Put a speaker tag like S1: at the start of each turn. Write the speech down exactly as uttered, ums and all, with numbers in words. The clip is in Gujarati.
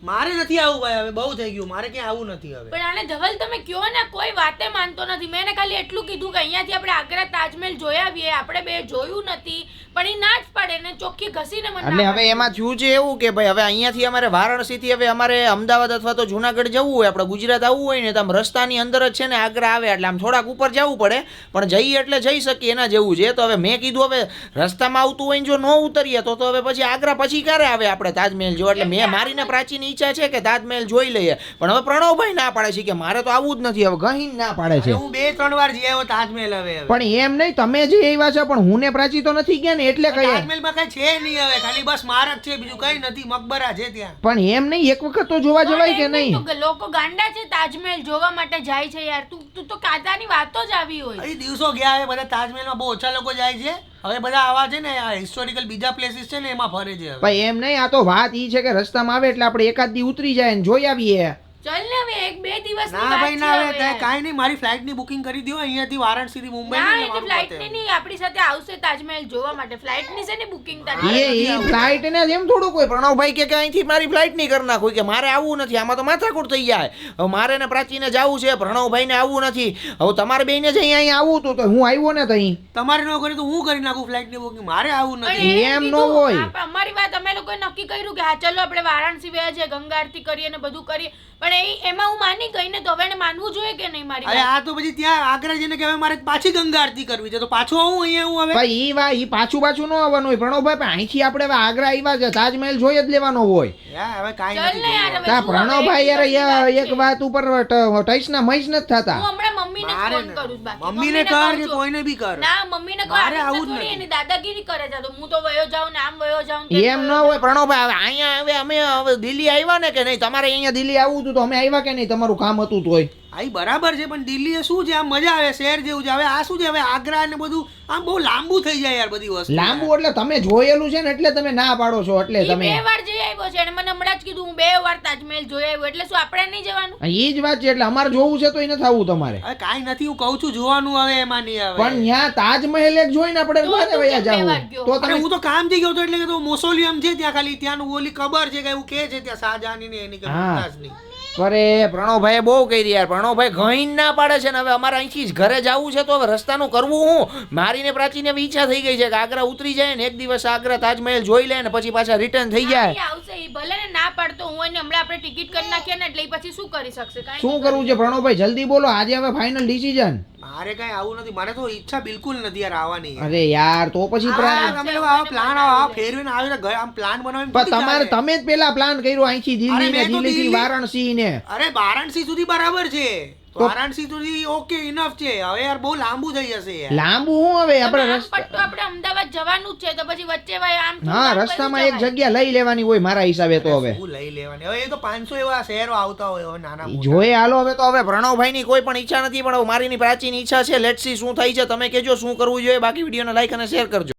S1: મારે નથી આવું ભાઈ, હવે બહુ થઈ ગયું, મારે ક્યાં આવું નથી હવે.
S2: પણ આને ધવલ તમે કયો ને, કોઈ વાતે માનતો નથી. મેં એને ખાલી એટલું કીધું કે અહીંયાથી આપણે આગ્રા તાજમહેલ જોઈ આવીએ, આપણે બે જોયું નથી, પણ એ ના જ પાડે ને ચોખ્ખી ઘસીને મને.
S3: એટલે હવે એમાં થયું છે એવું કે ભાઈ હવે અહીંયાથી અમારે વારાણસીથી હવે અમારે અમદાવાદ અથવા તો જુનાગઢ જવું હોય, આપણે ગુજરાત આવવું હોય ને તો આમ રસ્તાની અંદર જ છે ને આગ્રા આવે, એટલે આમ થોડાક ઉપર જવું પડે, પણ જઈએ એટલે જઈ શકીએ એના જેવું છે. તો હવે મેં કીધું હવે રસ્તામાં આવતું હોય ને જો ન ઉતરીએ તો તો હવે પછી આગ્રા પછી ક્યારે આવે આપણે તાજમહેલ જો. એટલે મેં મારીને પ્રાચીન ઈચ્છા છે કે તાજમહેલ જોઈ લઈએ, પણ હવે પ્રણવભાઈ ના પાડે છે કે મારે તો આવું જ નથી, હવે ગહીન ના પાડે છે.
S1: હું બે ત્રણ વાર જઈ આવ્યો તાજમહેલ. હવે
S3: પણ એમ નહીં, તમે જે એવા છે પણ હું ને પ્રાચી તો નથી ગયા ને એટલે કહીએ.
S1: તાજમહેલમાં કઈ છે નહીં હવે, ખાલી બસ સ્મારક છે, બીજું કઈ નથી, મકબરા છે ત્યાં.
S3: પણ એમ નહીં, એક વખત તો જોવા જવાય કે નહીં?
S2: લોકો ગાંડા છે તાજમહેલ જોવા માટે જાય છે યાર. તું તું તો કાદાની વાતો જ આવી હોય.
S1: એ દિવસો ગયા હવે, બધા તાજમહેલમાં બહુ ઓછા લોકો જાય છે. હવે બધા આવા છે ને હિસ્ટોરિકલ બીજા પ્લેસીસ છે ને એમાં ફરે છે.
S3: ભાઈ એમ નહીં, આ તો વાત ઈ છે કે રસ્તામાં આવે એટલે આપણે એકાદ દી ઉતરી જાય ને જોઈ આવીએ.
S2: ચલ ને હવે એક બે દિવસ
S1: ના ભાઈ ના, હવે કાઈ નહીં, મારી ફ્લાઇટ ની બુકિંગ કરી દો અહીંયાથી વારાણસી થી મુંબઈ
S2: ના,
S1: ની.
S2: એટલે ફ્લાઇટ ની નહીં, આપણી સાથે આવશે તાજમહેલ જોવા માટે. ફ્લાઇટ ની છે ને બુકિંગ તારી.
S3: એ એ ફ્લાઇટ ને એમ થોડું કોઈ પ્રણવભાઈ કે અહીંથી મારી ફ્લાઇટ નહીં કરી નાખું કે મારે આવવું નથી, આમાં તો માથાકૂટ થઈ જાય. હવે મારે ને પ્રાચીને જવું છે, પ્રણવભાઈ ને આવવું નથી. હવે તમારે બેને જ અહીંયા અહીંયા આવવું હતું તો હું આવ્યો ને તઈ.
S1: તમારે ન કરે તો હું કરી નાખું ફ્લાઇટ ની બુકિંગ, મારે આવવું નથી.
S3: એમ ન હોય.
S2: અમારી વાત અમે લોકોએ નક્કી કર્યું કે હા ચલો આપણે વારાણસી ગયા છે, ગંગા આરતી કરીએ ને બધું કરીએ, પણ એ એમાં હું માની ગઈ ને, તો હવે એને માનવું જોઈએ કે નહીં મારી?
S1: અરે આ તો પછી ત્યાં આગ્રા જઈને કે હવે મારે પાછી ગંગા આરતી કરવી છે, તો પાછું આવું અહીંયા હું હવે.
S3: ભાઈ ઈ વા ઈ પાછું પાછું ન આવવાનું હોય પ્રણવભાઈ, પણ અહીંથી આપણે હવે આગ્રા આવ્યા છે, તાજમહેલ જોઈ જ લેવાનો હોય.
S1: યાર હવે કાઈ
S2: ચલ ને યાર,
S1: નથી.
S2: હવે
S3: તા
S2: શું
S3: પ્રણવભાઈ
S2: હવે?
S3: યાર એક વાત ઉપર ટઈસ ના મહીસ નથી થતા.
S2: હું હમણાં મમ્મીને જ
S1: મારે
S2: ફોન કરું છું. બાકી
S1: મમ્મીને
S2: કહું
S1: કર કે
S2: છું.
S1: કોઈને બી કર.
S2: ના મમ્મીને કહો,
S1: મારે
S2: આવી
S1: આવું જ
S2: થોડી
S1: નથી.
S2: એની દાદાગીરી કરે છે, તો હું તો વયો જાઉં ને આમ વયો જાઉં ને તેમ
S3: એમ ન
S2: વયો
S3: હોય પ્રણવભાઈ, હવે અહીંયા હવે અમે હવે દિલ્હી આવ્યા ને કે નહીં, તમારે અહીંયા દિલ્હી આવવું હતું તો અમે આવ્યા કે નહીં, તમારું કામ હતું તોય.
S1: આઈ બરાબર છે, પણ દિલ્હી શું છે, આમ મજા આવે, શહેર જેવું છે. હવે આ શું છે, હવે આગ્રા ને બધું આમ બહુ લાંબુ થઈ જાય યાર બધી વસ્તુ.
S3: લાંબુ એટલે તમે જોયેલું છે ને એટલે તમે ના પાડો છો, એટલે
S2: ઈ
S3: તમે
S2: બે વાર જઈ આવ્યો છે અને મને હમણાં જ કીધું હું બે વાર તાજમહેલ જોઈ આવ્યો, એટલે શું આપણે નહીં જવાનું?
S3: એ જ વાત છે, એટલે અમારે જોવું છે તો એ નથી આવવું તમારે.
S1: હવે કાઈ નથી, હું કહું છું જોવાનું હવે એમાં નહીં આવે.
S3: પણ ત્યાં તાજમહેલ એક જોઈને આપણે
S2: તો
S3: ક્યારે
S2: તું
S3: વયા
S2: કેમ બે
S3: જાવું?
S2: વાર ગયો?
S3: તો
S1: અરે
S3: તમે
S1: હું તો કામ થી ગયો હતો, એટલે કે તો મોસોલિયમ છે ત્યાં, ખાલી ત્યાંનું ઓલી કબર છે કે એવું કે છે ત્યાં શાહજહાની ને એની કે
S3: હા.
S1: મુમતાઝની.
S3: અરે પ્રણવભાઈ બહુ કરી યાર, પ્રણવભાઈ ઘણી ના પાડે છે ને. હવે અમારે અહીંથી જ ઘરે જવું છે તો હવે રસ્તાનું કરવું હું? મારીને પ્રાચીને એવી ઈચ્છા થઈ ગઈ છે કે આગ્રા ઉતરી જાય ને એક દિવસ આગ્રા તાજમહેલ જોઈ લે ને પછી પાછા રિટર્ન થઈ જાય.
S2: ઈ આવશે, ઈ ભલે ને ના પાડતો હું, એને હમણાં આપણે ટિકિટ કરી નાખીએ ને એટલે ઈ પછી શું કરી શકશે? કાંઈ
S3: શું કરવું છે પ્રણવભાઈ, જલ્દી બોલો, આજે હવે ફાઇનલ ડિસિઝન.
S1: મારે કઈ આવું નથી, મારે તો ઈચ્છા બિલકુલ નથી યાર આવવાની.
S3: અરે યાર તો પછી પ્રા-
S1: આ તમે લોકો આવા પ્લાન આવા ફેરવીને આવે તો આમ પ્લાન બનાવીને
S3: પણ
S1: થોડી
S3: તમારે
S1: ચાલે.
S3: તમે જ પેલા પ્લાન કર્યો અહીંથી દિલ્હી
S1: અરે
S3: ને
S1: મેં તો
S3: દિલ્હી થી
S1: દિલ્હી-
S3: વારાણસી ને.
S1: અરે વારાણસી સુધી બરાબર છે,
S3: તો-
S1: વારાણસી સુધી ઓકે ઇનફ છે. હવે યાર બહુ લાંબુ થઈ જશે યાર.
S3: લાંબુ હું હવે આપણે
S2: આમ
S3: રસ્તા
S2: પટ્ટો આપણે અમદાવાદ જવાનું જ છે, તો પછી વચ્ચે ભાઈ આમ થોડું
S3: હા
S2: આમ
S3: રસ્તામાં
S2: બધું
S3: એક
S2: જવાય.
S3: જગ્યા લઈ લેવાની હોય મારા હિસાબે તો હવે.
S1: શું લઈ લેવાની હવે, એ તો પાંચસો એવા શહેરો આવતા હોય હવે નાના મોટા.
S3: જોઈ હાલો હવે તો હવે પ્રણવભાઈ ની કોઈ પણ ઈચ્છા નથી, પણ હવે મારીની પ્રાચીન ઈચ્છા છે. લેટ્સ સી શું થાય છે, તમે કહેજો શું કરવું જોઈએ. બાકી વિડીયોને લાઈક અને શેર કરજો.